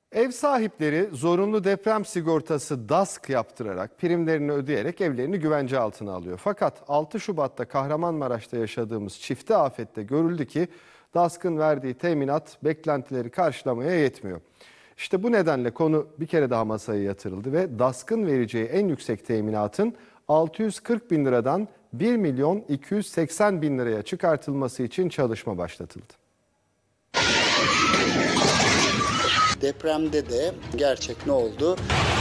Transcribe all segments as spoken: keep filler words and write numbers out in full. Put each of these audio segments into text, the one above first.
Ev sahipleri zorunlu deprem sigortası DASK yaptırarak primlerini ödeyerek evlerini güvence altına alıyor. Fakat altı Şubat'ta Kahramanmaraş'ta yaşadığımız çifte afette görüldü ki DASK'ın verdiği teminat beklentileri karşılamaya yetmiyor. İşte bu nedenle konu bir kere daha masaya yatırıldı ve DASK'ın vereceği en yüksek teminatın altı yüz kırk bin liradan bir milyon iki yüz seksen bin liraya çıkartılması için çalışma başlatıldı. Depremde de gerçek ne oldu?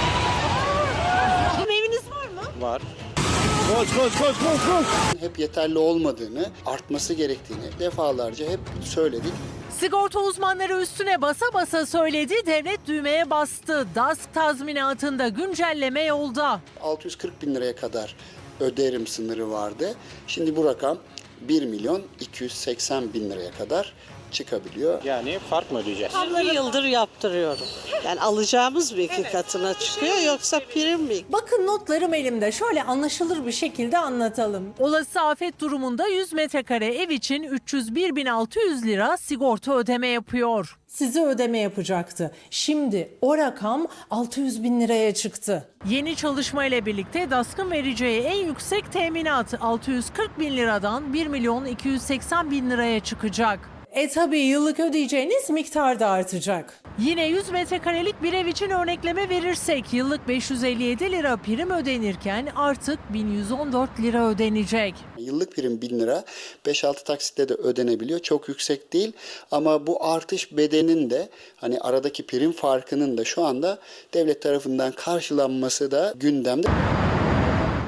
Eviniz var mı? Var. Koş koş koş koş koş. Hep yeterli olmadığını, artması gerektiğini defalarca hep söyledik. Sigorta uzmanları üstüne basa basa söyledi, devlet düğmeye bastı. DASK tazminatında güncelleme yolda. altı yüz kırk bin liraya kadar öderim sınırı vardı. Şimdi bu rakam bir milyon iki yüz seksen bin liraya kadar çıkabiliyor. Yani fark mı ödeyeceğiz? yirmi yıldır yaptırıyorum. Yani alacağımız bir iki katına çıkıyor yoksa prim mi? Bakın notlarım elimde. Şöyle anlaşılır bir şekilde anlatalım. Olası afet durumunda yüz metrekare ev için üç yüz bir bin altı yüz lira sigorta ödeme yapıyor. Size ödeme yapacaktı. Şimdi o rakam altı yüz bin liraya çıktı. Yeni çalışma ile birlikte DASK'ın vereceği en yüksek teminat altı yüz kırk bin liradan bir milyon iki yüz seksen bin liraya çıkacak. E tabii yıllık ödeyeceğiniz miktar da artacak. Yine yüz metrekarelik bir ev için örnekleme verirsek yıllık beş yüz elli yedi lira prim ödenirken artık bin yüz on dört lira ödenecek. Yıllık prim bin lira, beş altı taksitle de ödenebiliyor. Çok yüksek değil ama bu artış bedelinin de hani aradaki prim farkının da şu anda devlet tarafından karşılanması da gündemde.